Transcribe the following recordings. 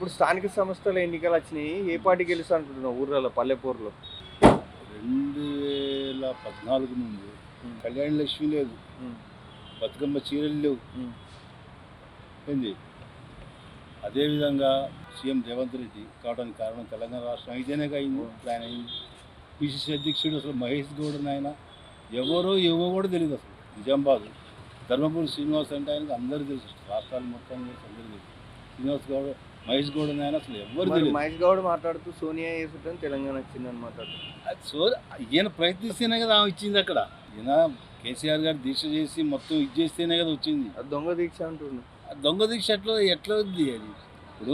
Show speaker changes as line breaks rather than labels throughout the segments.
ఇప్పుడు స్థానిక సంస్థల ఎన్నికలు వచ్చినాయి. ఏ పార్టీ గెలుస్తా అనుకుంటున్నావు ఊర్లలో పల్లెపూర్లో?
2014 నుండి
హ్మ్.
కళ్యాణ లక్ష్మి లేదు,
హ్మ్.
బతుకమ్మ చీరలు లేవు.
హ్మ్.
ఏంది అదేవిధంగా సీఎం రేవంత్ రెడ్డి కావడానికి కారణం తెలంగాణ రాష్ట్రం అయితేనే అయింది. ఇప్పుడు ఆయన అయింది. పిసిసి అధ్యక్షుడు అసలు మహేష్ గౌడ్ ఆయన ఎవరో ఏవో కూడా తెలియదు. అసలు నిజామాబాద్ ధర్మపురి శ్రీనివాస్ అంటే ఆయనకు అందరూ తెలుసు, రాష్ట్రాలు మొత్తం తెలుసు, అందరూ తెలుసు. శ్రీనివాస్ గౌడ్ మహేష్ గౌడ్ ఆయన అసలు ఎవరు
మరి
తెలియదు.
మహేష్ గౌడ్ మాట్లాడుతూ సోనియా వేసుకుంటే తెలంగాణ వచ్చిందని మాట్లాడుతూ
అది ఈయన ప్రయత్నిస్తేనే కదా ఆమె ఇచ్చింది. అక్కడ ఈయన కేసీఆర్ గారు దీక్ష చేసి మొత్తం ఇది చేస్తేనే కదా వచ్చింది.
అది దొంగ దీక్ష అంటున్నాను.
ఆ దొంగ దీక్ష ఎట్లా ఉంది అది? ఇప్పుడు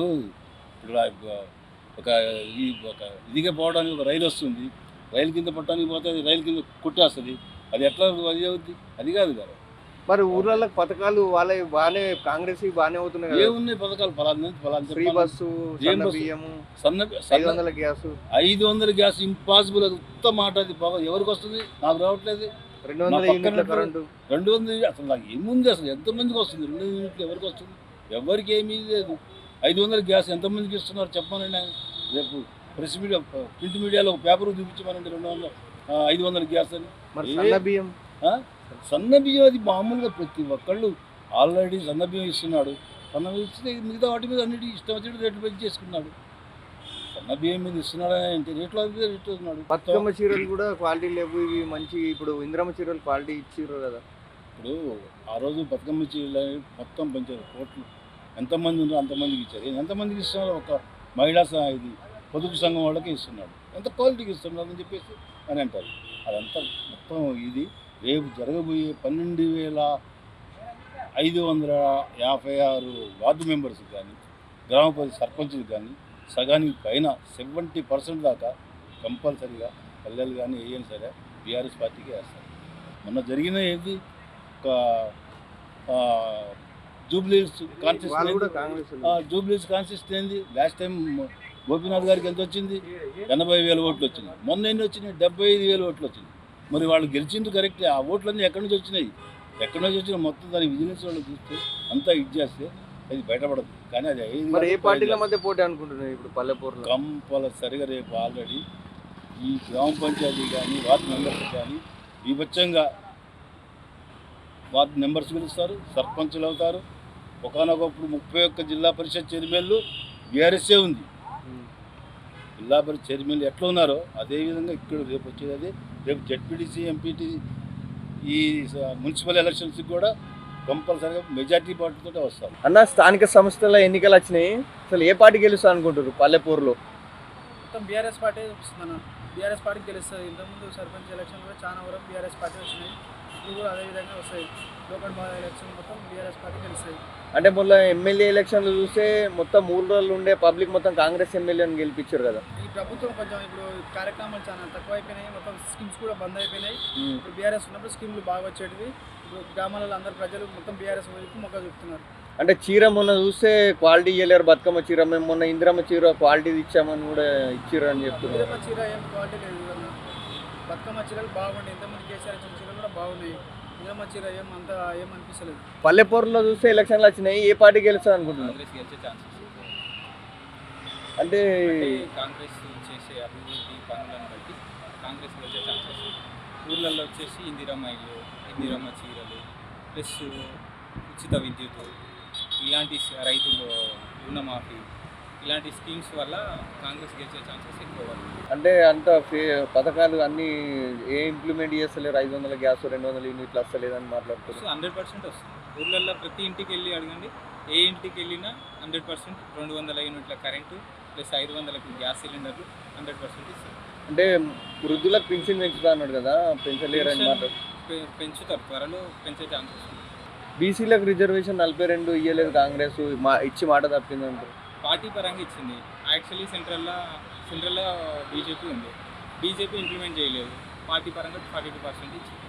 ఒక ఒక ఇదిగా పోవడానికి ఒక రైలు వస్తుంది, రైలు కింద పట్టడానికి పోతే అది రైలు కింద కొట్టేస్తుంది. అది ఎట్లా అది అవుద్ది? అది కాదు కదా.
మరి ఊర్లలో పథకాలు వాళ్ళ బాగానే కాంగ్రెస్ బాగానే అవుతున్నాయి కదా.
ఏమున్నాయి పథకాలు?
ఫ్రీ బస్సు, సన్న బియ్యము, 500 గ్యాసు,
500 గ్యాస్ ఇంపాసిబుల్. అది ఉత్త మాట. అది బాగా ఎవరికి వస్తుంది? నాకు రావట్లేదు.
200 యూనిట్ల కరెంటు.
200 అసలు నాకు ఏముంది? అసలు ఎంతమందికి వస్తుంది? 200 యూనిట్లు ఎవరికి వస్తుంది? ఎవరికి ఏమీ లేదు. 500 గ్యాస్ ఎంతమందికి ఇస్తున్నారు చెప్పమనండి. రేపు ప్రెస్ మీడియా, ప్రింట్ మీడియాలో ఒక పేపర్ చూపించమనండి 500 గ్యాస్ అని.
మరి సన్న బియ్యం,
సన్న బియ్యం అది మామూలుగా ప్రతి ఒక్కళ్ళు ఆల్రెడీ సన్న బియ్యం ఇస్తున్నాడు. సన్న బియ్యం ఇస్తే మిగతా వాటి మీద అన్నిటి ఇష్టం వచ్చినట్టు రేట్లు పెంచి చేసుకున్నాడు. సన్న బియ్యం మీద ఇస్తున్నాడని అంటే రేట్లు ఇస్తున్నాడు.
బతుకమ్మ చీరలు కూడా క్వాలిటీ లేవు. ఇవి మంచి ఇప్పుడు ఇంద్రమ్మ చీరలు క్వాలిటీ ఇచ్చిర్రు కదా.
ఇప్పుడు ఆ రోజు బతుకమ్మ చీరలు మొత్తం పెంచారు. కోట్లు ఎంతమంది ఉన్నారో అంతమందికి ఇచ్చారు. ఎంతమందికి ఇస్తున్నారు? ఒక మహిళా ఇది పొదుపు సంఘం వాళ్ళకి ఇస్తున్నాడు. ఎంత క్వాలిటీకి ఇస్తున్నారు అని చెప్పేసి అని అంటారు. అదంతా మొత్తం ఇది రేపు జరగబోయే 12,556 వార్డు మెంబర్స్కి కానీ, గ్రామ పంచాయతీ సర్పంచులకు కానీ సగానికి పైన 70% దాకా కంపల్సరీగా పల్లెలు కానీ ఏమైనా సరే బీఆర్ఎస్ పార్టీకి వేస్తారు. మొన్న జరిగిన ఏది ఒక జూబ్లీస్ కాన్స్టిట్యూన్సీ ఏంది? లాస్ట్ టైం గోపీనాథ్ గారికి ఎంత వచ్చింది? 80,000 ఓట్లు వచ్చింది. మొన్న ఎన్ని వచ్చినాయి? 75,000 ఓట్లు వచ్చింది. మరి వాళ్ళు గెలిచింది కరెక్టే. ఆ ఓట్లన్నీ ఎక్కడి నుంచి వచ్చినాయి? ఎక్కడి నుంచి వచ్చినా మొత్తం దాని విజిలెన్స్ వాళ్ళు చూస్తే అంతా ఇది చేస్తే అది బయటపడదు. కానీ అది
మరి ఏ పార్టీల మధ్య పోటీ అనుకుంటున్నాయి ఇప్పుడు పల్లెపూర్లో?
కంపల్సరిగా రేపు ఆల్రెడీ ఈ గ్రామ పంచాయతీ కానీ వార్డు మెంబర్స్ కానీ విభత్సంగా వార్డు మెంబర్స్ గెలుస్తారు, సర్పంచులు అవుతారు. ఒకనొకప్పుడు 31 జిల్లా పరిషత్ చైర్మన్లు బీఆర్ఎస్ఏ ఉంది. జిల్లా పరిషత్ చైర్మన్లు ఎట్లా ఉన్నారో అదేవిధంగా ఇక్కడ రేపు వచ్చేది అదే. రేపు జెడ్పీటీసీ, ఎంపీటీ, ఈ మున్సిపల్ ఎలక్షన్స్కి కూడా కంపల్సరీగా మెజార్టీ పార్టీతో వస్తారు.
అన్న, స్థానిక సంస్థల ఎన్నికలు వచ్చినాయి. అసలు ఏ పార్టీ గెలుస్తా అనుకుంటారు పల్లెపూర్లో?
మొత్తం బీఆర్ఎస్ పార్టీ చూపిస్తుందన్న. బీఆర్ఎస్ పార్టీ గెలుస్తుంది. ఇంతకుముందు సర్పంచ్ ఎలక్షన్ కూడా చాలా వరకు బీఆర్ఎస్ పార్టీ వచ్చినాయి. ఇప్పుడు కూడా అదేవిధంగా వస్తాయి. లోకల్ బాగా ఎలక్షన్ మొత్తం బీఆర్ఎస్ పార్టీ గెలుస్తాయి.
అంటే మొన్న ఎమ్మెల్యే ఎలక్షన్లు చూస్తే మొత్తం 3 రోజులు ఉండే పబ్లిక్ మొత్తం కాంగ్రెస్ ఎమ్మెల్యేని గెలిపించారు కదా.
ఈ ప్రభుత్వం కొంచెం ఇప్పుడు కార్యక్రమాలు చాలా తక్కువ అయిపోయినాయి. మొత్తం స్కీమ్స్ కూడా బంద్ అయిపోయినాయి. ఇప్పుడు బీఆర్ఎస్ ఉన్నప్పుడు స్కీమ్లు బాగా వచ్చేటివి. ఇప్పుడు గ్రామాలలో అందరు ప్రజలు మొత్తం బీఆర్ఎస్ వైపు మొక్క చూపుతున్నారు.
అంటే చీర మొన్న చూస్తే క్వాలిటీ ఇవ్వలేరు. బతుకమ్మ చీర మేము మొన్న ఇంద్రమ్మ చీర క్వాలిటీ ఇచ్చామని కూడా ఇచ్చిర్రు అని చెప్తున్నారు.
ఇంద్రమ్మ చీర ఏం క్వాలిటీ లేదు కదా. బతుకమ్మ చీరలు బాగుంటాయి. ఇంతకుముందు కేసీఆర్ ఇచ్చిన చీరలు కూడా బాగున్నాయి. ఇంద్రమ్మ చీర ఏమనిపిస్తలేదు.
పల్లెపూర్లో చూస్తే ఎలక్షన్లు వచ్చినాయి. ఏ పార్టీ గెలుస్తుంది అనుకుంటున్నారు?
కాంగ్రెస్ గెలిచే ఛాన్సెస్
అంటే
కాంగ్రెస్ చేసే అభివృద్ధి పనులను బట్టి కాంగ్రెస్ గెలిచే ఛాన్సెస్. ఊర్లలో వచ్చేసి ఇందిరమ్మ ఇల్లు, ఇందిరమ్మ చీరలు, ప్లస్ ఉచిత విద్యుత్, ఇలాంటి రైతులు రుణమాఫీ, ఇలాంటి స్కీమ్స్ వల్ల కాంగ్రెస్ గెలిచే ఛాన్సెస్ ఎక్కువ.
అంటే అంత పథకాలు అన్నీ ఏ ఇంప్లిమెంట్ చేస్తలేరు. 500 గ్యాస్, 200 యూనిట్లు వస్తలేదని మాట్లాడుతున్నారు.
100% వస్తుంది. ఊర్లలో ప్రతి ఇంటికి వెళ్ళి అడగండి. ఏ ఇంటికి వెళ్ళినా 100% 200 యూనిట్ల కరెంటు ప్లస్ 500 గ్యాస్ సిలిండర్లు 100% ఇస్తారు.
అంటే వృద్ధులకు పెన్షన్ పెంచుతా అన్నాడు కదా, పెంచలేరని మాట్లాడు.
పెంచుతారు, త్వరలో పెంచే ఛాన్సెస్ ఉంది.
బీసీలకు రిజర్వేషన్ 42 ఇవ్వలేదు కాంగ్రెస్, ఇచ్చి మాట తప్పిందంటారు.
పార్టీ పరంగా ఇచ్చింది. యాక్చువల్లీ సెంట్రల్లో బీజేపీ ఉంది. బీజేపీ ఇంప్లిమెంట్ చేయలేదు. పార్టీ పరంగా 42% ఇచ్చింది.